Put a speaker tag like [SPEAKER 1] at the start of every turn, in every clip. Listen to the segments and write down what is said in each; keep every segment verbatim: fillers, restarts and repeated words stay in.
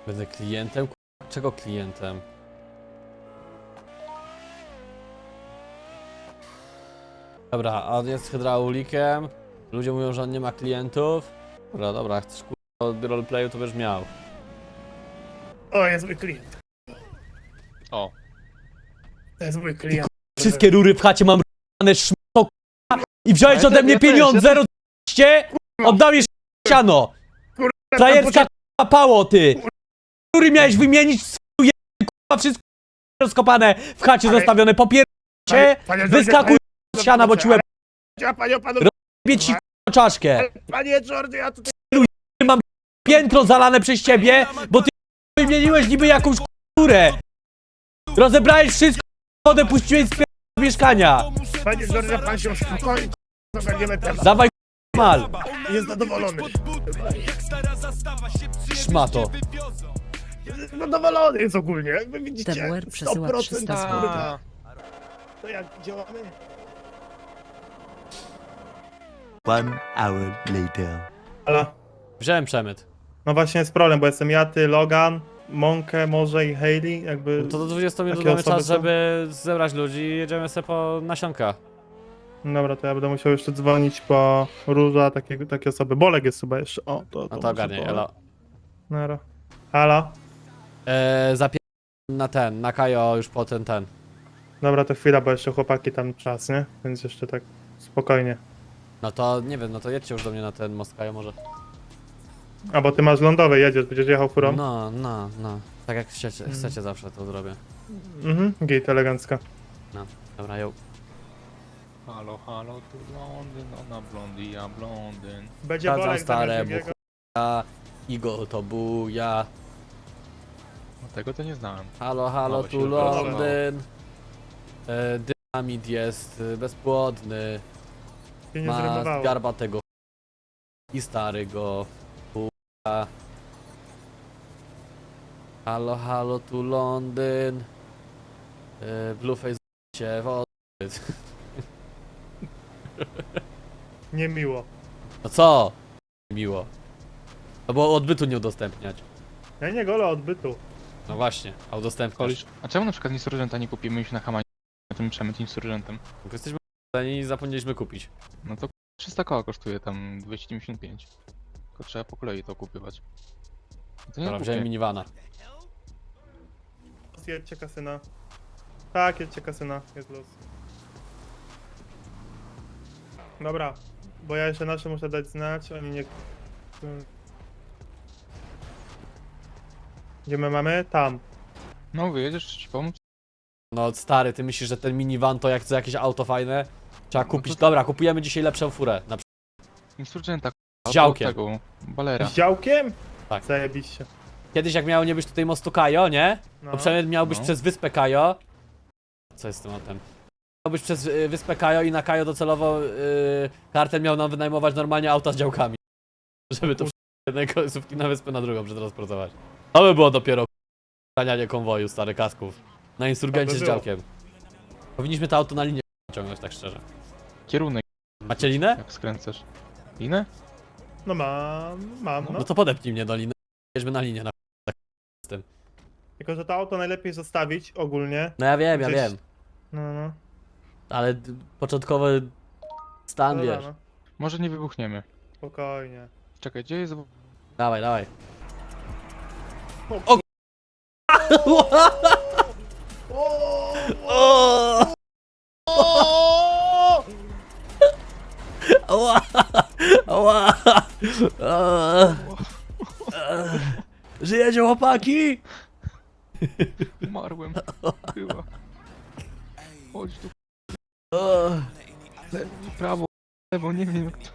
[SPEAKER 1] Będę klientem? Czego klientem? Dobra, a on jest hydraulikiem. Ludzie mówią, że on nie ma klientów. Dobra, dobra, chcesz kurwa od roleplayu, to będziesz miał.
[SPEAKER 2] O, jest mój klient.
[SPEAKER 3] O.
[SPEAKER 2] To jest mój klient.
[SPEAKER 1] Wszystkie rury w chacie mam r***ane szmato i wziąłeś
[SPEAKER 3] Ja
[SPEAKER 1] ode
[SPEAKER 3] też,
[SPEAKER 1] mnie
[SPEAKER 3] ja też,
[SPEAKER 1] pieniądze,
[SPEAKER 3] ja też.
[SPEAKER 1] zero dwieście, oddałeś siano. Frajerska k***a pało, ty. Rury miałeś wymienić, swój k***a, wszystko rozkopane w chacie
[SPEAKER 2] Ale-
[SPEAKER 1] zostawione, popiercie, wyskakuj z siana, bo ci łeb
[SPEAKER 2] Ja, panie, panu...
[SPEAKER 1] bie ci k***a czaszkę.
[SPEAKER 2] Ale, panie Jordy, ja tutaj...
[SPEAKER 1] Piętro zalane przez ciebie, bo ty wymieniłeś niby jakąś k***urę. Rozebrałeś wszystko, wodę puściłeś z pier... mieszkania.
[SPEAKER 2] Panie Jordy, pan się uspokoi. To będziemy temat.
[SPEAKER 1] Dawaj k***a mal.
[SPEAKER 2] Jest zadowolony.
[SPEAKER 1] Szmato.
[SPEAKER 2] Zadowolony jest ogólnie. Jak wy widzicie,
[SPEAKER 4] T W R przesyła
[SPEAKER 2] sto procent
[SPEAKER 4] trzysta
[SPEAKER 2] kurwa. To jak działamy?
[SPEAKER 5] One hour later.
[SPEAKER 6] Ale
[SPEAKER 1] Wziąłem przemyt.
[SPEAKER 6] no właśnie jest problem, bo jestem ja, ty, Logan, Monkę może i Hayley, jakby...
[SPEAKER 1] To do dwudziestu minut
[SPEAKER 6] Takie
[SPEAKER 1] mamy
[SPEAKER 6] osoby
[SPEAKER 1] czas,
[SPEAKER 6] są?
[SPEAKER 1] żeby zebrać ludzi i jedziemy sobie po nasionka.
[SPEAKER 6] Dobra, to ja będę musiał jeszcze dzwonić po Róża, takie, takie osoby. Bolek jest chyba jeszcze, o, to...
[SPEAKER 1] No to
[SPEAKER 6] muszę
[SPEAKER 1] ogarniaj,
[SPEAKER 6] po-
[SPEAKER 1] elo.
[SPEAKER 6] Nara. Halo?
[SPEAKER 1] Eee, zapier... na ten, na Kajo już po ten, ten.
[SPEAKER 6] Dobra, to chwila, bo jeszcze chłopaki tam czas, nie? Więc jeszcze tak spokojnie.
[SPEAKER 1] No to, nie wiem, no to jedźcie już do mnie na ten most Kajo może.
[SPEAKER 6] A, bo ty masz lądowy, jedziesz, będziesz jechał furą?
[SPEAKER 1] No, no, no. Tak jak chcecie, chcecie zawsze to zrobię.
[SPEAKER 6] Mhm, git, elegancka.
[SPEAKER 1] Dobra, ją.
[SPEAKER 3] Halo, halo, tu Londyn, ona blondy, ja blondyn.
[SPEAKER 6] Będzie
[SPEAKER 1] Sprawdzam
[SPEAKER 6] Bolek
[SPEAKER 1] stare
[SPEAKER 6] zamiast drugiego.
[SPEAKER 1] buchuja. Igor to buja.
[SPEAKER 3] No tego to nie znałem.
[SPEAKER 1] Halo, halo,
[SPEAKER 3] Mało się
[SPEAKER 1] tu
[SPEAKER 3] wypracowało.
[SPEAKER 1] Londyn. E, dynamit jest y, bezpłodny.
[SPEAKER 6] Się nie
[SPEAKER 1] Ma
[SPEAKER 6] zrymowało.
[SPEAKER 1] garbatego i starego chuja. Halo, halo, tu Londyn. Yy, Blueface się w odbyt.
[SPEAKER 6] Niemiło.
[SPEAKER 1] No co? Miło. No bo odbytu nie udostępniać.
[SPEAKER 6] Ja nie golę odbytu.
[SPEAKER 1] No właśnie, a udostępniasz.
[SPEAKER 3] Kolisz, a czemu na przykład insurgenta nie kupimy już na Hamanie na tym przemyt insurgentem?
[SPEAKER 1] Bo jesteśmy i zapomnieliśmy kupić.
[SPEAKER 3] No to trzysta koła kosztuje tam dwieście dziewięćdziesiąt pięć. Tylko trzeba po kolei to kupywać. No to nie
[SPEAKER 1] Dobra, wziąłem
[SPEAKER 3] kupię.
[SPEAKER 1] minivana.
[SPEAKER 6] Jedźcie kasyna. Tak, jedźcie kasyna, jest los. Dobra, bo ja jeszcze nasze muszę dać znać, oni nie... Gdzie my mamy? Tam.
[SPEAKER 3] No wyjedziesz, czy ci pomóc?
[SPEAKER 1] No stary, ty myślisz, że ten minivan to jak co jakieś auto fajne? Trzeba
[SPEAKER 3] No
[SPEAKER 1] kupić.
[SPEAKER 3] to-
[SPEAKER 1] Dobra, kupujemy dzisiaj lepszą furę. Na przykład.
[SPEAKER 3] Insurgenta,
[SPEAKER 1] Z działkiem.
[SPEAKER 3] tego, balera.
[SPEAKER 6] Z działkiem?
[SPEAKER 1] Tak.
[SPEAKER 6] Zajebiście.
[SPEAKER 1] Kiedyś jak miało nie być tutaj mostu Kajo, nie?
[SPEAKER 6] No.
[SPEAKER 1] To przynajmniej miał być
[SPEAKER 3] No.
[SPEAKER 1] przez wyspę Kajo. Co jest z tym autem? Miał być przez y, wyspę Kajo i na Kajo docelowo y, kartel miał nam wynajmować normalnie auta z działkami. Żeby to z jednej końcówki na wyspę na drugą przetransportować. To by było dopiero ganianie konwoju, stary kasków. Na insurgencie
[SPEAKER 6] To by
[SPEAKER 1] z
[SPEAKER 6] było.
[SPEAKER 1] działkiem. Powinniśmy to auto na linię ciągnąć, tak szczerze.
[SPEAKER 3] Kierunek,
[SPEAKER 1] Macie linę?
[SPEAKER 3] jak skręcasz. Linę?
[SPEAKER 6] No mam, mam, no.
[SPEAKER 1] No to podepnij mnie do liny. Jedźmy na linię. Na...
[SPEAKER 6] Tylko, że to auto najlepiej zostawić ogólnie.
[SPEAKER 1] No ja wiem, ja
[SPEAKER 6] Gdzieś-
[SPEAKER 1] wiem.
[SPEAKER 6] No, no.
[SPEAKER 1] Ale d- początkowy stan,
[SPEAKER 6] Dobra,
[SPEAKER 1] wiesz.
[SPEAKER 6] no.
[SPEAKER 3] Może nie wybuchniemy.
[SPEAKER 6] Spokojnie.
[SPEAKER 3] Czekaj, gdzie jest...
[SPEAKER 1] Dawaj, dawaj.
[SPEAKER 6] O,
[SPEAKER 1] O! Ała! Ała! Ała! Żyjecie, chłopaki?
[SPEAKER 3] Umarłem. Była. Chodź tu,
[SPEAKER 1] O!
[SPEAKER 3] lewo, prawo, lewo, nie wiem jak to...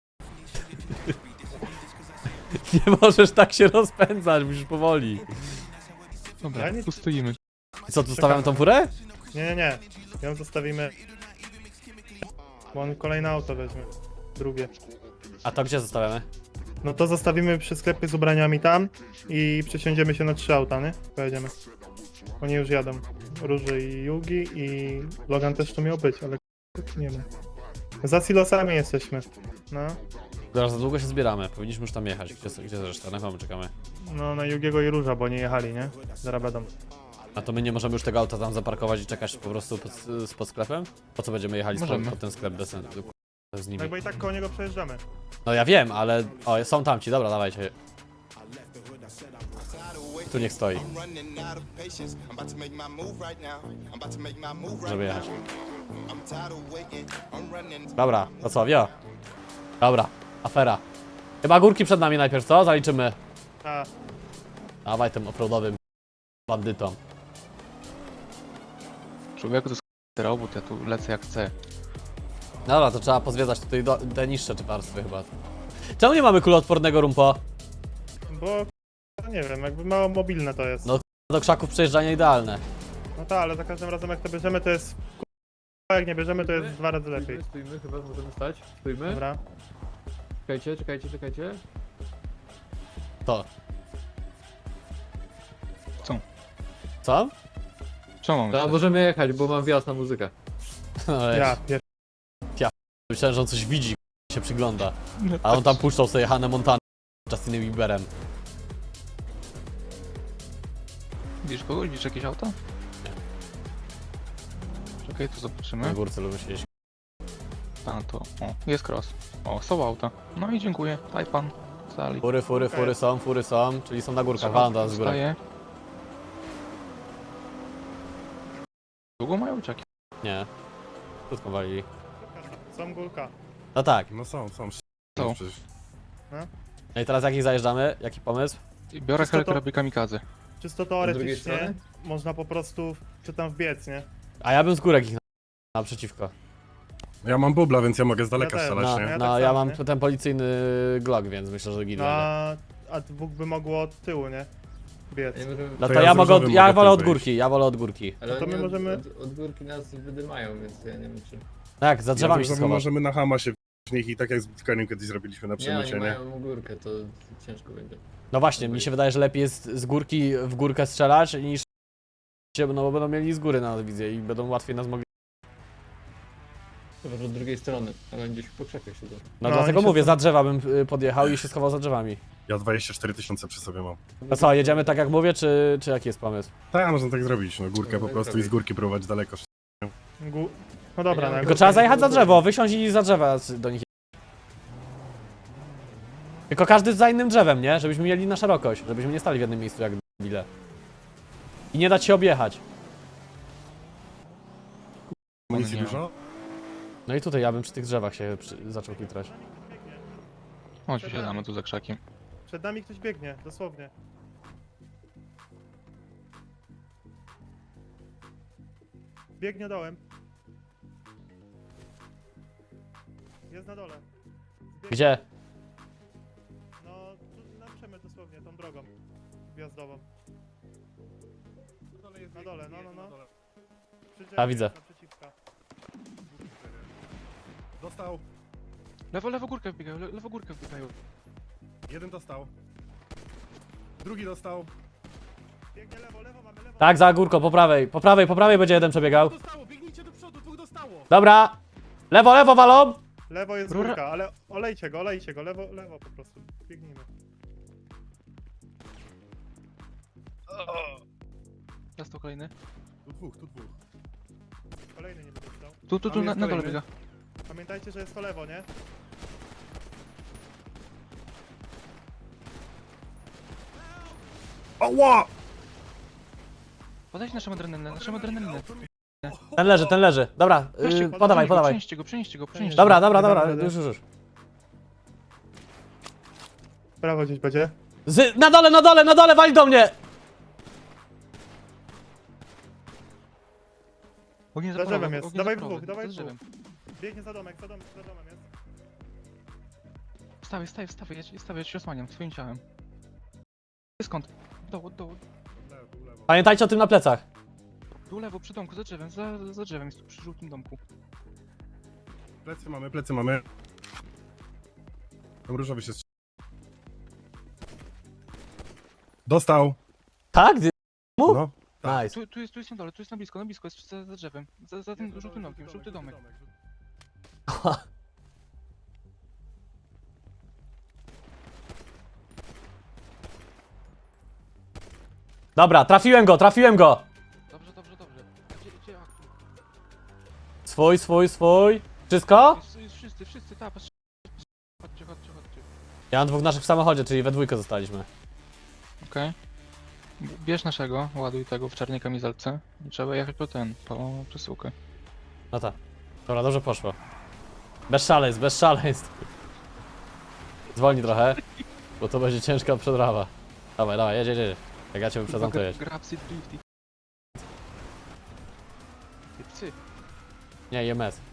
[SPEAKER 1] Nie możesz tak się rozpędzać, musisz powoli.
[SPEAKER 3] Dobra,
[SPEAKER 6] Ja nie-
[SPEAKER 3] tu stoimy.
[SPEAKER 1] I co, tu stawiamy tą furę?
[SPEAKER 6] nie, nie, nie. Ją zostawimy. Bo on kolejne auto weźmie. Drugie.
[SPEAKER 1] A to gdzie zostawiamy?
[SPEAKER 6] No to zostawimy przy sklepie z ubraniami tam i przesiądziemy się na trzy auta, nie? Pojedziemy. Oni już jadą. Róży i Yugi i Logan też to miał być, ale nie wiem. Za silosami jesteśmy. No.
[SPEAKER 1] Zaraz za długo się zbieramy, powinniśmy już tam jechać. Gdzie, gdzie reszta? Na komu czekamy?
[SPEAKER 6] No na Jugiego i Róża, bo nie jechali, nie? Zaraz będą.
[SPEAKER 1] A to my nie możemy już tego auta tam zaparkować i czekać po prostu pod, pod sklepem? Po co będziemy jechali
[SPEAKER 3] Możemy.
[SPEAKER 1] pod, pod ten sklep bez sensu? Z nimi.
[SPEAKER 6] No bo i tak koło niego przejeżdżamy.
[SPEAKER 1] No ja wiem, ale... O, są tamci, dobra, dawajcie. Tu niech stoi,
[SPEAKER 4] I'm running out of patience. I'm about to make my move right now. I'm about to make my move right
[SPEAKER 1] żeby
[SPEAKER 4] now.
[SPEAKER 1] jechać.
[SPEAKER 4] I'm tired of waiting. I'm running.
[SPEAKER 1] Dobra, to co, wio? Dobra, afera. Chyba górki przed nami najpierw, co? Zaliczymy.
[SPEAKER 6] A,
[SPEAKER 1] Dawaj tym offroadowym bandytom.
[SPEAKER 3] Człowieku to jest robót, ja tu lecę jak chcę.
[SPEAKER 1] Dobra, to trzeba pozwiedzać tutaj do, te niższe czy warstwy chyba. Czemu nie mamy kuloodpornego rumpo?
[SPEAKER 6] bo no nie wiem, jakby mało mobilne to jest.
[SPEAKER 1] No. Do krzaków przejeżdżanie idealne.
[SPEAKER 6] No tak, ale za każdym razem jak to bierzemy to jest k***a, jak nie bierzemy to jest dwa razy lepiej.
[SPEAKER 7] Stójmy, chyba możemy stać. Stójmy.
[SPEAKER 6] Dobra.
[SPEAKER 7] Czekajcie, czekajcie, czekajcie.
[SPEAKER 1] To.
[SPEAKER 3] Co?
[SPEAKER 1] Co?
[SPEAKER 3] Czemu mamy
[SPEAKER 7] To
[SPEAKER 3] stać?
[SPEAKER 7] możemy jechać, bo mam wjazd na muzykę.
[SPEAKER 1] No,
[SPEAKER 6] Ja, pier...
[SPEAKER 1] myślałem, że on coś widzi, się przygląda. A on tam puszczał sobie Hannah Montana z Justinem Bieberem.
[SPEAKER 3] Widzisz kogoś? Widzisz jakieś auto? Czekaj, tu
[SPEAKER 1] Na
[SPEAKER 3] zobaczymy.
[SPEAKER 1] górce lubię siedzieć.
[SPEAKER 3] A to, o, jest cross. O, są auta. No i dziękuję. Tajpan. Sali.
[SPEAKER 1] Fury, fury, fury są, fury są, czyli są na górkach, walą do nas z góry.
[SPEAKER 3] Zostaje. Długo mają czeki.
[SPEAKER 1] Nie. Krótko walili.
[SPEAKER 6] Są górka.
[SPEAKER 1] No tak.
[SPEAKER 2] No są, są.
[SPEAKER 3] Są.
[SPEAKER 2] Przecież.
[SPEAKER 1] No i teraz jakich zajeżdżamy? Jaki pomysł?
[SPEAKER 3] I biorę
[SPEAKER 6] Czysto to-
[SPEAKER 3] helikarabin kamikadze.
[SPEAKER 6] Czysto
[SPEAKER 7] drugiej
[SPEAKER 6] teoretycznie
[SPEAKER 7] strony?
[SPEAKER 6] można po prostu czy tam wbiec, nie?
[SPEAKER 1] A ja bym z górek ich na- naprzeciwko.
[SPEAKER 2] Ja mam bubla, więc ja mogę z daleka
[SPEAKER 6] Ja też.
[SPEAKER 2] strzelać,
[SPEAKER 1] No,
[SPEAKER 2] nie?
[SPEAKER 6] Ja
[SPEAKER 1] no
[SPEAKER 6] tak
[SPEAKER 1] ja
[SPEAKER 6] samo,
[SPEAKER 1] mam
[SPEAKER 6] nie?
[SPEAKER 1] ten policyjny Glock, więc myślę, że git
[SPEAKER 6] No,
[SPEAKER 1] będzie.
[SPEAKER 6] a, a dwóch by mogło od tyłu, nie? Biec.
[SPEAKER 7] Nie możemy...
[SPEAKER 1] No
[SPEAKER 2] To
[SPEAKER 1] to
[SPEAKER 2] ja
[SPEAKER 1] ja
[SPEAKER 2] z
[SPEAKER 1] mogę, od,
[SPEAKER 2] różowym
[SPEAKER 1] ja
[SPEAKER 2] mogę
[SPEAKER 1] wolę
[SPEAKER 2] tu
[SPEAKER 1] od
[SPEAKER 2] wyjść.
[SPEAKER 1] górki, ja wolę od górki.
[SPEAKER 7] Ale
[SPEAKER 6] to my
[SPEAKER 7] oni
[SPEAKER 6] możemy-
[SPEAKER 7] Od, od, od górki nas wydymają, więc ja nie wiem czy...
[SPEAKER 1] Tak, za drzewami się
[SPEAKER 2] ja
[SPEAKER 1] schowasz.
[SPEAKER 2] możemy na hama się w nich i tak jak z Bitcoinem kiedyś zrobiliśmy na
[SPEAKER 7] Nie, oni
[SPEAKER 2] przemycie, nie?
[SPEAKER 7] mają górkę, to ciężko będzie.
[SPEAKER 1] No właśnie, mi się wydaje, że lepiej jest z górki w górkę strzelać niż się, no bo będą mieli z góry na nas wizję i będą łatwiej nas mogli.
[SPEAKER 7] Chyba, że od drugiej strony, ale gdzieś po krzakach siedzą.
[SPEAKER 1] No,
[SPEAKER 6] No,
[SPEAKER 1] dlatego
[SPEAKER 6] oni się
[SPEAKER 1] mówię,
[SPEAKER 6] tam-
[SPEAKER 1] za drzewa bym y, podjechał i się schował za drzewami.
[SPEAKER 2] Ja dwadzieścia cztery tysiące przy sobie mam.
[SPEAKER 1] No co, jedziemy tak jak mówię, czy, czy jaki jest pomysł?
[SPEAKER 2] Tak, można tak zrobić, no górkę po
[SPEAKER 7] Można
[SPEAKER 2] prostu i z
[SPEAKER 7] zrobić.
[SPEAKER 2] górki próbować daleko.
[SPEAKER 6] Gó... No dobra, no.
[SPEAKER 1] Tylko trzeba zajechać za drzewo, wysiąść i za drzewa z- do nich. Tylko każdy za innym drzewem, nie? Żebyśmy mieli na szerokość, żebyśmy nie stali w jednym miejscu jak bile. I nie dać się objechać.
[SPEAKER 2] Amunicji
[SPEAKER 3] nie ma.
[SPEAKER 2] dużo?
[SPEAKER 1] No i tutaj ja bym przy tych drzewach się przy... zaczął kitrać.
[SPEAKER 3] Chodź, siadamy tu za krzakiem.
[SPEAKER 6] Przed nami ktoś biegnie, dosłownie. Biegnie dołem. Jest na dole. Zbiegnie.
[SPEAKER 1] Gdzie?
[SPEAKER 6] No, tu na przemyt dosłownie, tą drogą wjazdową. Na dole, no, no, no. Przy drzewie
[SPEAKER 1] A, widzę.
[SPEAKER 6] jest naprzeciwka.
[SPEAKER 2] Dostał.
[SPEAKER 3] Lewo, lewo górkę wbiegają, le, lewo górkę wbiegają.
[SPEAKER 2] Jeden dostał. Drugi dostał.
[SPEAKER 6] Biegnie lewo, lewo, mamy lewo.
[SPEAKER 1] Tak, za górką, po prawej, po prawej, po prawej będzie jeden przebiegał.
[SPEAKER 2] Dostało, biegnijcie do przodu, dwóch dostało.
[SPEAKER 1] Dobra! Lewo, lewo walą!
[SPEAKER 6] Lewo jest
[SPEAKER 3] Rura-
[SPEAKER 6] górka, ale olejcie go, olejcie go, lewo, lewo po prostu. Biegnijmy.
[SPEAKER 3] Dostał kolejny.
[SPEAKER 2] Tu dwóch, tu dwóch.
[SPEAKER 6] Kolejny nie będzie stał.
[SPEAKER 3] Tu, tu, tu,
[SPEAKER 2] Tam
[SPEAKER 3] na,
[SPEAKER 2] jest
[SPEAKER 3] na dole
[SPEAKER 2] kolejny.
[SPEAKER 3] biega.
[SPEAKER 6] Pamiętajcie, że jest to lewo, nie?
[SPEAKER 2] Ała!
[SPEAKER 3] Podajcie naszą adrenalinę, naszą adrenalinę.
[SPEAKER 1] Ten leży, ten leży. Dobra,
[SPEAKER 3] Weźcie
[SPEAKER 1] yy,
[SPEAKER 3] go,
[SPEAKER 1] podawaj,
[SPEAKER 3] przenieście go,
[SPEAKER 1] podawaj.
[SPEAKER 3] Przenieście go, przenieście go, przenieście
[SPEAKER 1] Dobra,
[SPEAKER 3] go.
[SPEAKER 1] dobra,
[SPEAKER 6] Nie
[SPEAKER 1] dobra,
[SPEAKER 6] dam rady.
[SPEAKER 1] już, już, już.
[SPEAKER 6] Prawo gdzieś będzie.
[SPEAKER 1] Z, na dole, na dole, na dole, wali do mnie!
[SPEAKER 3] Ogień
[SPEAKER 6] Za
[SPEAKER 3] zaporowy,
[SPEAKER 6] drzewem jest.
[SPEAKER 3] ogień
[SPEAKER 6] Dawaj
[SPEAKER 3] zaporowy,
[SPEAKER 6] dwóch, dawaj
[SPEAKER 3] za drzewem.
[SPEAKER 6] Biegnie za domek, za domek, za domem jest.
[SPEAKER 3] Wstawaj, wstawaj, wstawaj, ja ci, wstawaj, ja ci osłaniam swoim ciałem. Skąd? Doł, doł,
[SPEAKER 1] Pamiętajcie o tym na plecach.
[SPEAKER 3] tu lewo, przy domku, za drzewem, za, za drzewem, jest tu przy żółtym domku.
[SPEAKER 2] Plecy mamy, plecy mamy. Tam różowy się strzela. Dostał.
[SPEAKER 1] Tak? Gdzie- Mu?
[SPEAKER 2] No. Tak.
[SPEAKER 1] Nice.
[SPEAKER 3] Tu, tu jest, tu jest na dole, tu jest na blisko, na blisko, jest za, za drzewem, za, za tym żółtym domkiem, żółty domek.
[SPEAKER 1] Dobra, trafiłem go, trafiłem go!
[SPEAKER 3] Dobrze, dobrze, dobrze. Gdzie, gdzie aktu?
[SPEAKER 1] Swój, swój, swój. Wszystko?
[SPEAKER 3] Jest, jest wszyscy, wszyscy, tak, patrz. Chodźcie, chodźcie, chodźcie.
[SPEAKER 1] Ja mam dwóch naszych w samochodzie, czyli we dwójkę zostaliśmy.
[SPEAKER 3] Okej. Bierz naszego, ładuj tego w czarnej kamizelce. I trzeba jechać po ten, po przesyłkę.
[SPEAKER 1] No tak. Dobra, dobrze poszło. Bez szaleństw, bez szaleństw. Zwolnij trochę, bo to będzie ciężka przedrawa. Dawaj, dawaj, jedź, jedź, jedź. Jak ja cię wyprzedzam, to jedź.
[SPEAKER 3] Grab sit drifty. Psy.
[SPEAKER 1] Nie, I M S.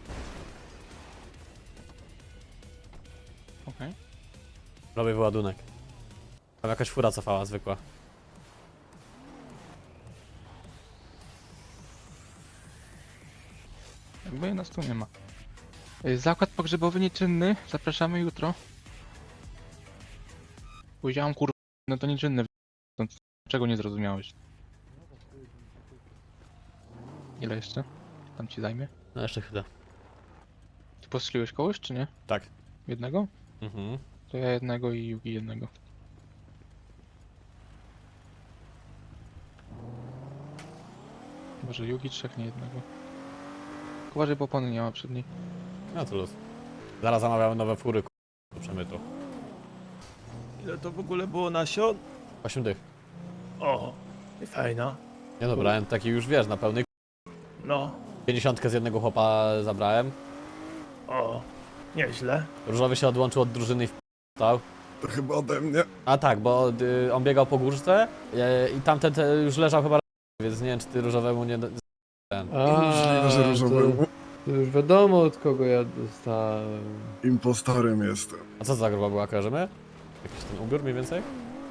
[SPEAKER 3] Okej.
[SPEAKER 1] Robię wyładunek. Tam jakaś fura cofała, zwykła.
[SPEAKER 3] Jakby nas tu nie ma. Y, Zakład pogrzebowy nieczynny. Zapraszamy jutro. Powiedziałam kur... No to nieczynny. To czego nie zrozumiałeś? Ile jeszcze? Tam ci zajmie?
[SPEAKER 1] No jeszcze chwilę.
[SPEAKER 3] Ty postrzeliłeś kogoś, czy nie?
[SPEAKER 1] Tak.
[SPEAKER 3] Jednego?
[SPEAKER 1] Mhm.
[SPEAKER 3] To ja jednego i Yugi jednego. Może Yugi trzech, nie jednego. Uważaj, bo opony nie ma przed niej.
[SPEAKER 1] No to luz. Zaraz zamawiamy nowe fury, k***, do przemytu.
[SPEAKER 2] Ile to w ogóle było nasion?
[SPEAKER 1] osiem dych.
[SPEAKER 2] O, i fajna.
[SPEAKER 1] Nie no, brałem taki już, wiesz, na pełnej
[SPEAKER 2] No,
[SPEAKER 1] pięćdziesiątkę z jednego chłopa zabrałem.
[SPEAKER 2] o, nieźle.
[SPEAKER 1] Różowy się odłączył od drużyny i wstał.
[SPEAKER 4] To chyba ode mnie.
[SPEAKER 1] A tak, bo y, on biegał po górce y, i tamten te, już leżał chyba, więc nie wiem, czy ty różowemu nie... Ten.
[SPEAKER 7] A,
[SPEAKER 8] Możliwe, że różowemu
[SPEAKER 7] to, to już wiadomo od kogo ja dostałem.
[SPEAKER 8] impostorem jestem.
[SPEAKER 1] A co za grupa była, kojarzymy? Jakiś ten ubiór mniej więcej?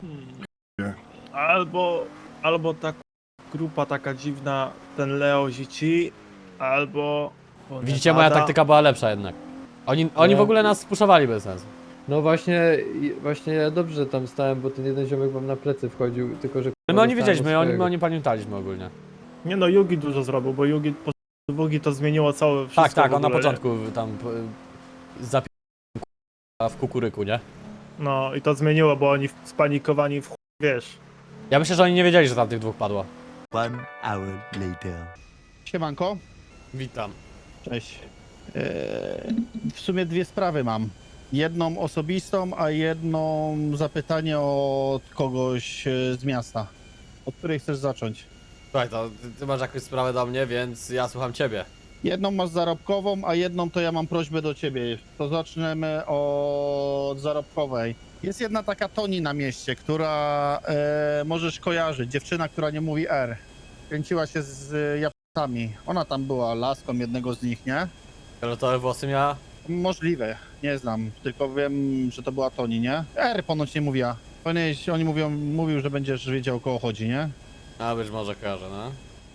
[SPEAKER 6] Albo, albo ta grupa taka dziwna, ten Leo Zici, albo...
[SPEAKER 1] Widzicie, moja
[SPEAKER 6] Ada.
[SPEAKER 1] taktyka była lepsza jednak. Oni, oni w ogóle nas spuszowali bez sensu.
[SPEAKER 7] No właśnie, i- właśnie ja dobrze tam stałem, bo ten jeden ziomek wam na plecy wchodził, tylko że...
[SPEAKER 1] Ale my oni
[SPEAKER 7] dostałem
[SPEAKER 1] wiedzieliśmy,
[SPEAKER 7] od
[SPEAKER 1] oni, my
[SPEAKER 7] swojego.
[SPEAKER 1] oni pamiętaliśmy ogólnie.
[SPEAKER 6] Nie no, Yugi dużo zrobił, bo Yugi po Wugi to zmieniło całe wszystko.
[SPEAKER 1] Tak, tak,
[SPEAKER 6] w
[SPEAKER 1] on na
[SPEAKER 6] ogóle, nie?
[SPEAKER 1] początku tam zapi... w kukuryku, nie?
[SPEAKER 6] No i to zmieniło, bo oni w- spanikowani w chuj, wiesz.
[SPEAKER 1] Ja myślę, że oni nie wiedzieli, że tam tych dwóch padło.
[SPEAKER 5] One hour later.
[SPEAKER 9] Siemanko,
[SPEAKER 1] Witam.
[SPEAKER 9] cześć. Eee, w sumie dwie sprawy mam. Jedną osobistą, a jedną zapytanie od kogoś e, z miasta. Od której chcesz zacząć?
[SPEAKER 1] Słuchaj, to ty, ty masz jakąś sprawę do mnie, więc ja słucham ciebie.
[SPEAKER 9] Jedną masz zarobkową, a jedną to ja mam prośbę do ciebie. To zaczniemy od zarobkowej. Jest jedna taka Toni na mieście, która e, możesz kojarzyć. Dziewczyna, która nie mówi R. Kręciła się z Japońcami. Ona tam była laską jednego z nich, nie?
[SPEAKER 1] Fioletowe włosy miała?
[SPEAKER 9] Możliwe, nie znam, tylko wiem, że to była Toni, nie? R ponoć nie mówiła. Powinieneś, oni mówią, mówił, że będziesz wiedział o kogo chodzi, nie?
[SPEAKER 1] A być może kojarzę, no.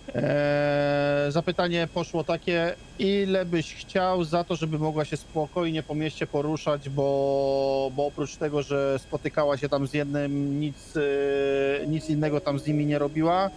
[SPEAKER 9] Eee, zapytanie poszło takie, ile byś chciał za to, żeby mogła się spokojnie po mieście poruszać, bo, bo oprócz tego, że spotykała się tam z jednym, nic, e, nic innego tam z nimi nie robiła,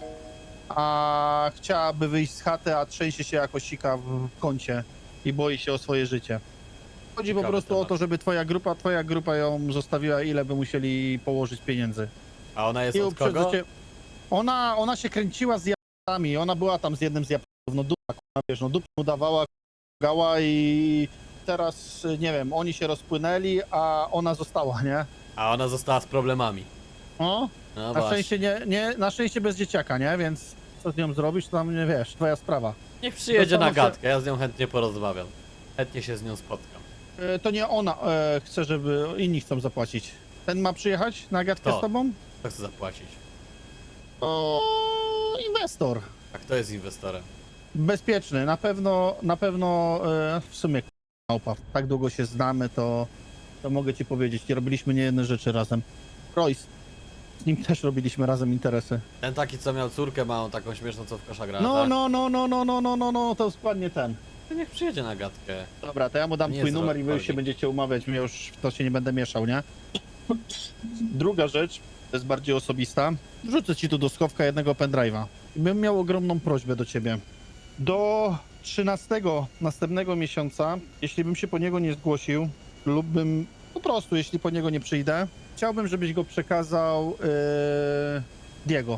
[SPEAKER 9] a chciałaby wyjść z chaty, a trzęsie się jako sika w kącie i boi się o swoje życie. Chodzi po
[SPEAKER 1] Ciekawy
[SPEAKER 9] prostu o
[SPEAKER 1] temat.
[SPEAKER 9] to, żeby twoja grupa, twoja grupa ją zostawiła, ile by musieli położyć pieniędzy.
[SPEAKER 1] A ona jest
[SPEAKER 9] I
[SPEAKER 1] od kogo?
[SPEAKER 9] uprzedzacie- Ona, ona się kręciła z Japonami, ona była tam z jednym z Japonów, no dupa, kurwa, wiesz, no dupę mu dawała, gała i teraz, nie wiem, oni się rozpłynęli, a ona została, nie?
[SPEAKER 1] A ona została z problemami.
[SPEAKER 9] No,
[SPEAKER 1] No
[SPEAKER 9] na
[SPEAKER 1] właśnie.
[SPEAKER 9] szczęście nie, nie, na szczęście bez dzieciaka, nie? Więc co z nią zrobisz, to tam nie wiesz, twoja sprawa.
[SPEAKER 1] Niech przyjedzie na
[SPEAKER 9] Zastanów się-
[SPEAKER 1] gadkę, ja z nią chętnie porozmawiam. Chętnie się z nią spotkam.
[SPEAKER 9] E, To nie ona e, chce, żeby inni chcą zapłacić. Ten ma przyjechać na gadkę
[SPEAKER 1] Kto?
[SPEAKER 9] z tobą?
[SPEAKER 1] Kto chce zapłacić?
[SPEAKER 9] O, inwestor.
[SPEAKER 1] A kto jest inwestorem?
[SPEAKER 9] Bezpieczny, na pewno, na pewno, e, w sumie małpa, tak długo się znamy, to, to mogę ci powiedzieć, nie robiliśmy nie jedne rzeczy razem. Royce, z nim też robiliśmy razem interesy.
[SPEAKER 1] Ten taki, co miał córkę małą, taką śmieszną, co w kosza gra,
[SPEAKER 9] No,
[SPEAKER 1] tak?
[SPEAKER 9] no, no, no, no, no, no, no, no, to dokładnie ten.
[SPEAKER 1] To niech przyjedzie na gadkę.
[SPEAKER 9] Dobra, to ja mu dam
[SPEAKER 1] Nie
[SPEAKER 9] twój
[SPEAKER 1] jest
[SPEAKER 9] numer i wy już
[SPEAKER 1] Royce.
[SPEAKER 9] się będziecie umawiać, ja już w to się nie będę mieszał, nie? Druga rzecz, to jest bardziej osobista. Wrzucę ci tu do schowka jednego pendrive'a. Bym miał ogromną prośbę do ciebie. Do trzynastego następnego miesiąca, jeśli bym się po niego nie zgłosił, lub bym po prostu, jeśli po niego nie przyjdę, chciałbym, żebyś go przekazał yy, Diego.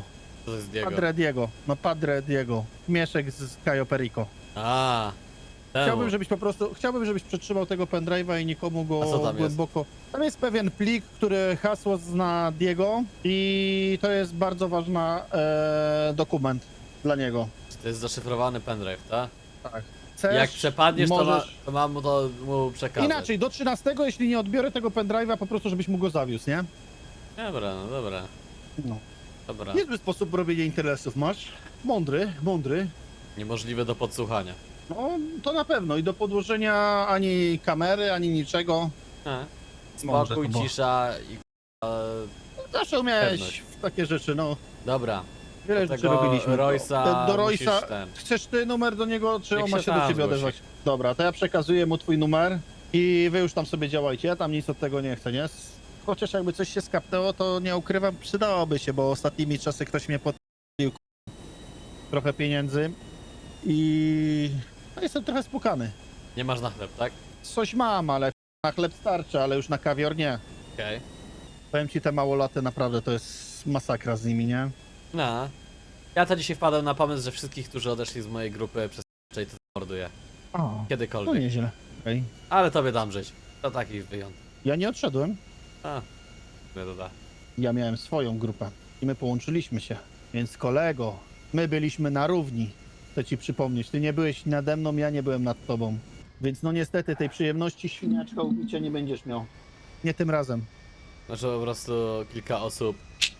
[SPEAKER 1] Co to jest Diego?
[SPEAKER 9] Padre Diego. No Padre Diego. Mieszek z Cayo Perico.
[SPEAKER 1] A, temu.
[SPEAKER 9] Chciałbym, żebyś po prostu, chciałbym, żebyś przetrzymał tego pendrive'a i nikomu go
[SPEAKER 1] A co tam jest?
[SPEAKER 9] głęboko... Tam jest pewien plik, który hasło zna Diego i to jest bardzo ważny e, dokument dla niego.
[SPEAKER 1] To jest zaszyfrowany pendrive, tak?
[SPEAKER 9] Tak. Chcesz,
[SPEAKER 1] Jak przepadniesz, to, ma,
[SPEAKER 9] możesz...
[SPEAKER 1] to mam mu to mu przekazać.
[SPEAKER 9] Inaczej, do trzynastego, jeśli nie odbiorę tego pendrive'a, po prostu, żebyś mu go zawiózł, nie?
[SPEAKER 1] Dobra, no dobra,
[SPEAKER 9] No.
[SPEAKER 1] dobra.
[SPEAKER 9] Niezły sposób robienia interesów masz. Mądry, mądry.
[SPEAKER 1] Niemożliwe do podsłuchania.
[SPEAKER 9] No, to na pewno. I do podłożenia ani kamery, ani niczego.
[SPEAKER 1] A.
[SPEAKER 9] Mądre
[SPEAKER 1] Spokój,
[SPEAKER 9] to było.
[SPEAKER 1] cisza i... e,
[SPEAKER 9] Zawsze umiałeś
[SPEAKER 1] Pewność.
[SPEAKER 9] w takie rzeczy, no.
[SPEAKER 1] Dobra,
[SPEAKER 9] Wiele
[SPEAKER 1] do
[SPEAKER 9] rzeczy
[SPEAKER 1] tego
[SPEAKER 9] robiliśmy.
[SPEAKER 1] Royce'a
[SPEAKER 9] do, do Royce'a.
[SPEAKER 1] musisz ten...
[SPEAKER 9] Chcesz ty numer do niego, czy
[SPEAKER 1] Niech
[SPEAKER 9] on ma
[SPEAKER 1] się
[SPEAKER 9] się do
[SPEAKER 1] sam
[SPEAKER 9] ciebie
[SPEAKER 1] zgłosi.
[SPEAKER 9] odezwać? Dobra, to ja przekazuję mu twój numer i wy już tam sobie działajcie. Ja tam nic od tego nie chcę, nie? Chociaż jakby coś się skapnęło, to nie ukrywam, przydałoby się, bo ostatnimi czasy ktoś mnie podpił trochę pieniędzy i no, jestem trochę spukany.
[SPEAKER 1] Nie masz na chleb, tak?
[SPEAKER 9] Coś mam, ale na chleb starczy, ale już na kawior nie.
[SPEAKER 1] Okej.
[SPEAKER 9] Powiem ci, te małolaty naprawdę to jest masakra z nimi, nie?
[SPEAKER 1] No. Ja to dzisiaj wpadłem na pomysł, że wszystkich, którzy odeszli z mojej grupy przez to morduję.
[SPEAKER 9] O, to
[SPEAKER 1] Kiedykolwiek.
[SPEAKER 9] nieźle. Okej.
[SPEAKER 1] Ale tobie dam żyć. To taki wyjątek.
[SPEAKER 9] Ja nie odszedłem.
[SPEAKER 1] A, nie doda.
[SPEAKER 9] Ja miałem swoją grupę i my połączyliśmy się. Więc kolego, my byliśmy na równi. Chcę ci przypomnieć, ty nie byłeś nade mną, ja nie byłem nad tobą. Więc no niestety tej przyjemności świniaczka ubicia nie będziesz miał. Nie tym razem.
[SPEAKER 1] Znaczy po prostu kilka osób...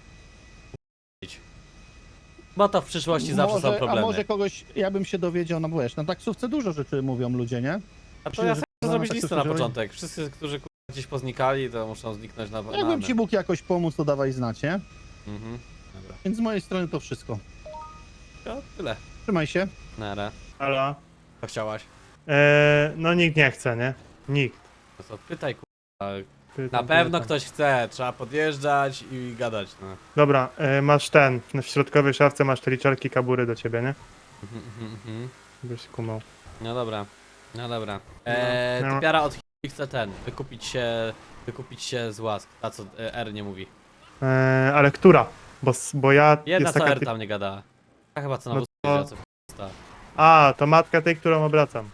[SPEAKER 1] Bo to w przyszłości zawsze są
[SPEAKER 9] Może,
[SPEAKER 1] problemy.
[SPEAKER 9] a może kogoś, ja bym się dowiedział, no bo wiesz, na taksówce dużo rzeczy mówią ludzie, nie?
[SPEAKER 1] A to
[SPEAKER 9] Myślę,
[SPEAKER 1] ja
[SPEAKER 9] że
[SPEAKER 1] chcę
[SPEAKER 9] to
[SPEAKER 1] zrobić
[SPEAKER 9] tak
[SPEAKER 1] listę na
[SPEAKER 9] to
[SPEAKER 1] początek. Wszyscy, którzy kurwa, gdzieś poznikali, to muszą zniknąć na... na
[SPEAKER 9] Jakbym ci mógł jakoś pomóc, to dawaj znać, nie?
[SPEAKER 1] Mhm. Dobra.
[SPEAKER 9] Więc z mojej strony to wszystko.
[SPEAKER 1] To tyle.
[SPEAKER 9] Trzymaj się.
[SPEAKER 1] Nara.
[SPEAKER 6] Halo?
[SPEAKER 1] Co chciałaś?
[SPEAKER 6] Eee, no nikt nie chce, nie? Nikt.
[SPEAKER 1] No to pytaj kurwa.
[SPEAKER 6] Pytam,
[SPEAKER 1] Na pewno
[SPEAKER 6] pytam.
[SPEAKER 1] ktoś chce. Trzeba podjeżdżać i gadać, no.
[SPEAKER 6] Dobra, e, masz ten, w środkowej szafce masz te liczarki kabury do ciebie, nie?
[SPEAKER 1] Mhm, mhm, mhm.
[SPEAKER 6] Byś kumał.
[SPEAKER 1] No dobra. No dobra. Eee,
[SPEAKER 6] No.
[SPEAKER 1] typiara od ch- chce ten. Wykupić się... Wykupić się z łask. Ta co e, R nie mówi.
[SPEAKER 6] Eee, ale która? Bo, s- bo ja...
[SPEAKER 1] Jedna
[SPEAKER 6] jest
[SPEAKER 1] co
[SPEAKER 6] taka
[SPEAKER 1] R
[SPEAKER 6] typ...
[SPEAKER 1] tam nie gada. A chyba co na
[SPEAKER 6] No
[SPEAKER 1] wózku
[SPEAKER 6] to-
[SPEAKER 1] jeździ, a co w ch-
[SPEAKER 6] A, to matka tej, którą obracam.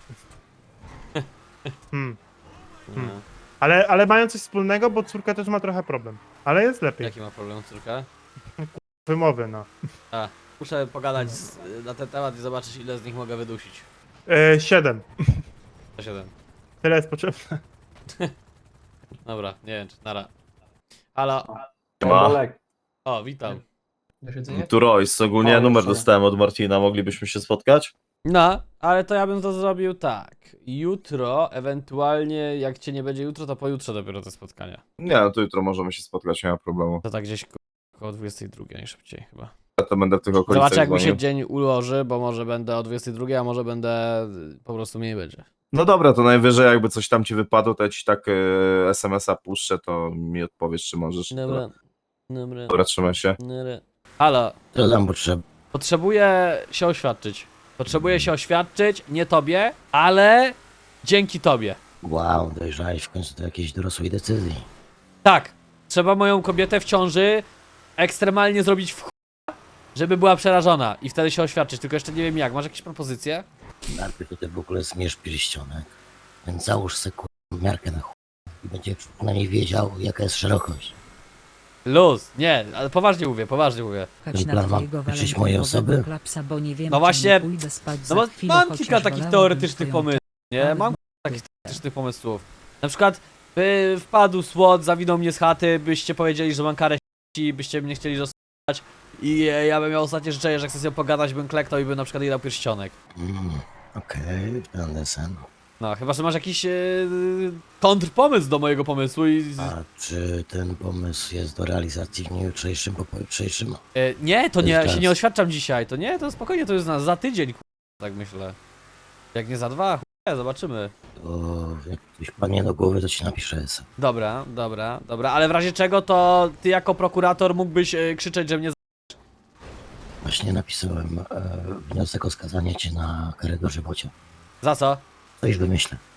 [SPEAKER 6] Hmm.
[SPEAKER 1] no.
[SPEAKER 6] Ale, ale mają coś wspólnego, bo córka też ma trochę problem. Ale jest lepiej.
[SPEAKER 1] Jaki ma problem córka?
[SPEAKER 6] Wymowy, no.
[SPEAKER 1] A, muszę pogadać z, na ten temat i zobaczyć ile z nich mogę wydusić.
[SPEAKER 6] Eee, siedem.
[SPEAKER 1] To siedem.
[SPEAKER 6] Tyle jest potrzebne.
[SPEAKER 1] Dobra, nie wiem czy nara. Halo.
[SPEAKER 10] Ma.
[SPEAKER 1] O, witam.
[SPEAKER 10] Tu Royce, ogólnie
[SPEAKER 7] O,
[SPEAKER 10] numer
[SPEAKER 7] sorry.
[SPEAKER 10] dostałem od Marcina, moglibyśmy się spotkać?
[SPEAKER 1] No, ale to ja bym to zrobił tak. Jutro, ewentualnie jak cię nie będzie jutro, to pojutrze dopiero te spotkania.
[SPEAKER 10] Nie, no to jutro możemy się spotkać, nie ma problemu.
[SPEAKER 1] To tak gdzieś ko- koło dwudziestej drugiej najszybciej chyba.
[SPEAKER 10] Ja to będę w tych okolicach
[SPEAKER 1] Zobaczę jak mi się
[SPEAKER 10] dzwonił.
[SPEAKER 1] dzień ułoży, bo może będę o dwudziestej drugiej, a może będę y, po prostu mniej będzie.
[SPEAKER 10] No dobra, to najwyżej jakby coś tam ci wypadło, to ja ci tak e, es em es a puszczę, to mi odpowiesz, czy możesz.
[SPEAKER 1] Dobra, dobra,
[SPEAKER 10] Dobra, trzymaj się.
[SPEAKER 1] dobra. Halo,
[SPEAKER 5] Co tam potrzeba?
[SPEAKER 1] potrzebuję się oświadczyć. Potrzebuję się oświadczyć, nie tobie, ale dzięki tobie.
[SPEAKER 5] Wow, dojrzałeś w końcu do jakiejś dorosłej decyzji.
[SPEAKER 1] Tak, trzeba moją kobietę w ciąży ekstremalnie zrobić w ch... żeby była przerażona i wtedy się oświadczyć, tylko jeszcze nie wiem jak. Masz jakieś propozycje?
[SPEAKER 5] Najpierw to ty w ogóle zmierz pierścionek, więc załóż sobie kurwa miarkę na chuj i będzie na niej wiedział, jaka jest szerokość.
[SPEAKER 1] Luz, nie, ale poważnie mówię, poważnie mówię.
[SPEAKER 5] Ten plan ma liczyć moje osoby?
[SPEAKER 1] No właśnie, No bo mam kilka takich teoretycznych pomysłów, nie?
[SPEAKER 5] Ale
[SPEAKER 1] Mam takich teoretycznych pomysłów. Na przykład, by wpadł słod, zawinął mnie z chaty, byście powiedzieli, że mam karę i byście mnie chcieli zostać i e, ja bym miał ostatnie życzenie, że chcę z nią pogadać, bym kleknął i bym na przykład jej dał pierścionek.
[SPEAKER 5] Mm, okej, ten desen.
[SPEAKER 1] No, chyba, że masz jakiś e, kontrpomysł do mojego pomysłu i...
[SPEAKER 5] A czy ten pomysł jest do realizacji w dniu jutrzejszym, po pojutrzejszym?
[SPEAKER 1] E, nie, to
[SPEAKER 5] To
[SPEAKER 1] nie,
[SPEAKER 5] jest
[SPEAKER 1] się
[SPEAKER 5] czas.
[SPEAKER 1] nie oświadczam dzisiaj, to nie, to spokojnie, to jest na, za tydzień, ku- tak myślę. Jak nie za dwa, chuj, zobaczymy.
[SPEAKER 5] To jak coś padnie do głowy, to ci napiszę esem.
[SPEAKER 1] Dobra, dobra, dobra, ale w razie czego to ty jako prokurator mógłbyś e, krzyczeć, że mnie... z-
[SPEAKER 5] Właśnie napisałem e, wniosek o skazanie cię na karę dożywocia.
[SPEAKER 1] Za co?
[SPEAKER 5] Coś wymyślę.